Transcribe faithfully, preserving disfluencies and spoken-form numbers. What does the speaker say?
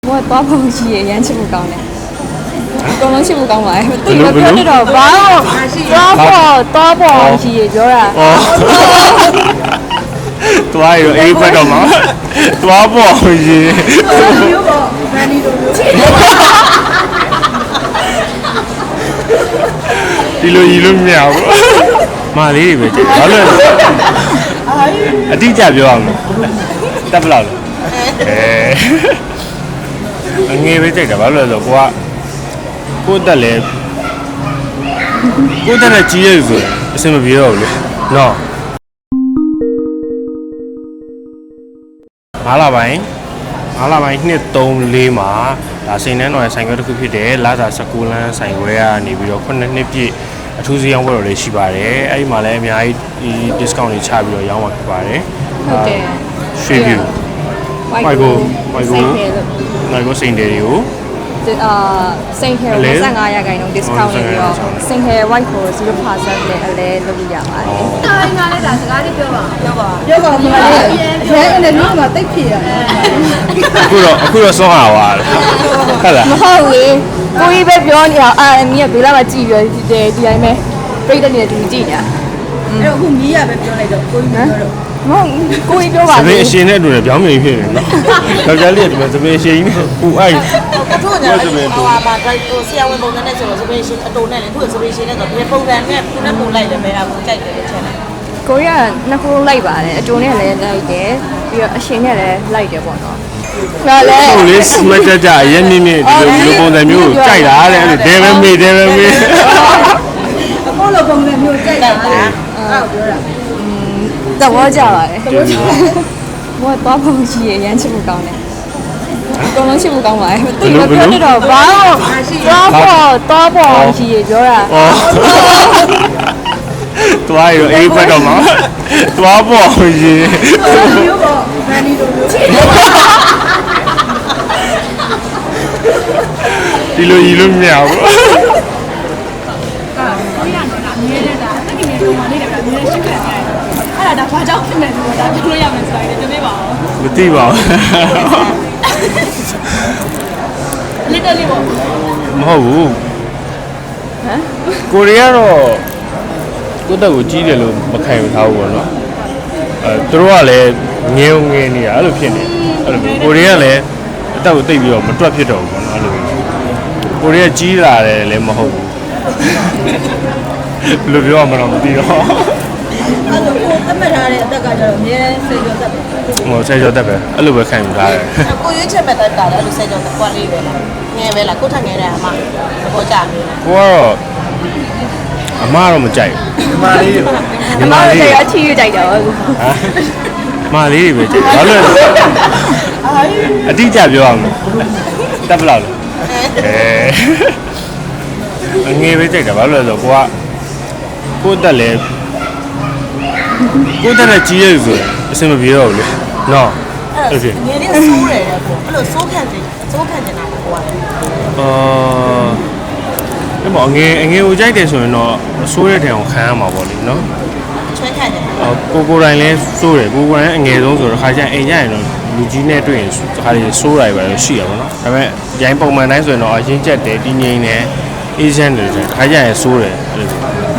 我多碰些，人气不高呢。功能性不高嘛，对个表那种包，多碰多碰些就是。 哦。多还有 A 块的吗？多不好些。 有个哪里都有。 ဒီလိုကြီးလို့မရဘူး။မာလေးတွေပဲကြည့်။ဘာလို့လဲ။အတိအကျပြောအောင်လို့။တက်ဘလောက်လဲ။အဲအငယ်ပဲကြိုက်တာဘာလို့လဲဆိုတော့ကိုကကိုတက်လဲကိုတက်နဲ့ကြီးရဲဆိုရင်အဆင်မပြေတော့ဘူးလေ။နော်။ငါးလပိုင်းငါးလပိုင်းနှစ်သုံးလေးမှာဒါစိန်နှန်းတော်ရဲ့ဆိုင်ခွဲတစ်ခုဖြစ်တယ်လာစာ၁၉လမ်းဆိုင်ခွဲကနေပြီးတော့ခုနှစ်နှစ်ပြည့်အထူးစည်းရောင်းပွဲတော်လေးရှိပါတယ်အဲ့ဒီမှာလည်းအများကြီးဒီ discount တွေချပြီးတော့ရောင်းမှာဖြစ်ပါတယ်ဟုတ်တယ်ရွှေပြူမိုက်ကိုမိုက်ကိုမိုက်ကိုစိန်တယ်တွေကိုအာစိန်ခဲကို၂၅ရာခိုင်နှုန်း discount နေပြီးတော့စိန်ခဲ white ကိုzero percent နဲ့အလဲလုပ်လို့ရပါတယ်။အားငါလည်းဒါစကားလေးပြောပါပြောပါပြောပါမလား။ရဲအဲ့ဒီမှာတိတ်ဖြစ်ရတယ်။အခုတော့အခုတော့ဆုံးသွားတယ်ဟုတ်လားမဟုတ်ဘူးကိုကြီးပဲပြောနေအောင်အာမီးကဘေးလာမှာကြည့်ပြီးဒီဒီတိုင်းပဲပြိတ္တနေတူကြည့်နေတာအဲ့တော့အခုမီးရပဲပြောလိုက်တော့ကိုကြီးပြောတော့မဟုတ်ကိုကြီးပြောပါသမီးအရှင်နဲ့အတူနဲ့ပြောင်းမြင်ဖြစ်နေနော်။ယောက်ျားလေးကဒီမှာသမီးအရှင်ကြီးနဲ့ပူအိုက်တို့ညာဟိုဟာမှာဒါဟိုဆရာဝန်ပုံစံနဲ့ဆိုတော့စပင်းရှင်အတူနဲ့လေသူ့စပင်းရှင်နဲ့ဆိုဒီပုံစံနဲ့သူနဲ့ပုံလိုက်တယ်ပဲအခုကြိုက်တယ်လို့ထင်တယ်ကိုရီးယားနှစ်ခုလိုက်ပါတယ်အတူနဲ့လည်းလိုက်တယ်ပြီးတော့အရှင်နဲ့လည်းလိုက်တယ်ပေါ့နော်ဒါလည်းဟုတ်လေစမတ်ကြကြအရင်မြင့်မြင့်ဒီလိုလိုပုံစံမျိုးကိုကြိုက်တာတဲ့အဲ့ဒါဒဲပဲမေးဒဲပဲမေးအခုလိုပုံစံမျိုးကြိုက်တာအဲ့ဒါပြောတာသဘောကျပါတယ်သဘောကျဘာတော့ပုံရှိရရမ်းချစ်မှုကောင်းတယ်功能性不高嘛，对个表那种包，多碰多碰些就是。 哦。多还有 A 块的吗？多不好些。 有个哪里都有。 ဒီလိုကြီးလို့မရဘူး။အာကိုရနေတာမြဲနေတာတကယ်မြဲတော့မနေတယ်ကမြဲရှိခဲ့တယ်။အဲ့ဒါဒါဘာကြောင့်ဖြစ်နေလဲဒါပြောလို့ရမယ်ဆိုတာလေတနေ့ပါအောင်။မသိပါဘူး။လက်တယ်ပေါ့မဟုတ်ဘူးဟမ်ကိုရီးယားတော့ကိုတက်ကိုကြီးတယ်လို့မခံယူထားဘူးပေါ့နော်အဲသူတို့ကလည်းငင်းငင်းနေတာအဲ့လိုဖြစ်နေအဲ့လိုကိုရီးယားလည်းအတက်ကိုတိတ်ပြီးတော့မတွက်ဖြစ်တော့ဘူးပေါ့နော်အဲ့လိုကိုရီးယားကြီးလာတယ်လည်းမဟုတ်ဘူးဘယ်လိုပြောရမလဲမသိတော့အဲ့လိုကိုအမှတ်ထားတဲ့အသက်ကကျတော့အများစိတ်ကြောတက်ပဲဟိုစိတ်ကြောတက်ပဲအဲ့လိုပဲခံယူထားတယ်ကိုရွေးချက်မဲ့တက်တာလည်းအဲ့လိုစိတ်ကြောတက်ကွာလေးပဲလားငယ်ပဲလားကိုထငယ်တယ်အမသဘောကျကိုကတော့အမတော့မကြိုက်ဘူးညီမလေးညီမလေးအချီးကြိုက်တော့ဟမ်မလေးတွေပဲကြိုက်ဘာလို့လဲအတိအကျပြောအောင်လို့တက်ဘလောက်လဲအဲအငယ်ပဲကြိုက်တာဘာလို့လဲဆိုတော့ကိုကကိုတက်လဲကိုတက်နဲ့ကြီးရဲဆိုရင်အဆင်မပြေတော့ဘူးလေနော်အဲ့ဒါငယ်လေးဆိုးတယ်ကွာအဲ့လိုဆိုးခံတယ်ဆိုးခံတယ်နာကွာအာဒီမှာငယ်ငယ်ကိုကြိုက်တယ်ဆိုရင်တော့ဆိုးတဲ့ထင်အောင်ခံရမှာပေါ့လေနော်ချွဲခံတယ်ကိုကိုတိုင်းလဲဆိုးတယ်ကိုကိုတိုင်းအငယ်ဆုံးဆိုတော့ခါကျရင်အိမ်ကျရင်တော့လူကြီးနဲ့တွေ့ရင်ခါလေးဆိုးတာပဲရှိရပါတော့ဒါပေမဲ့ရိုင်းပုံမှန်တိုင်းဆိုရင်တော့အရင်ချက်တယ်တင်းငိမ့်တယ်အေးချမ်းတယ်ခါကျရင်ဆိုးတယ်အဲ့လို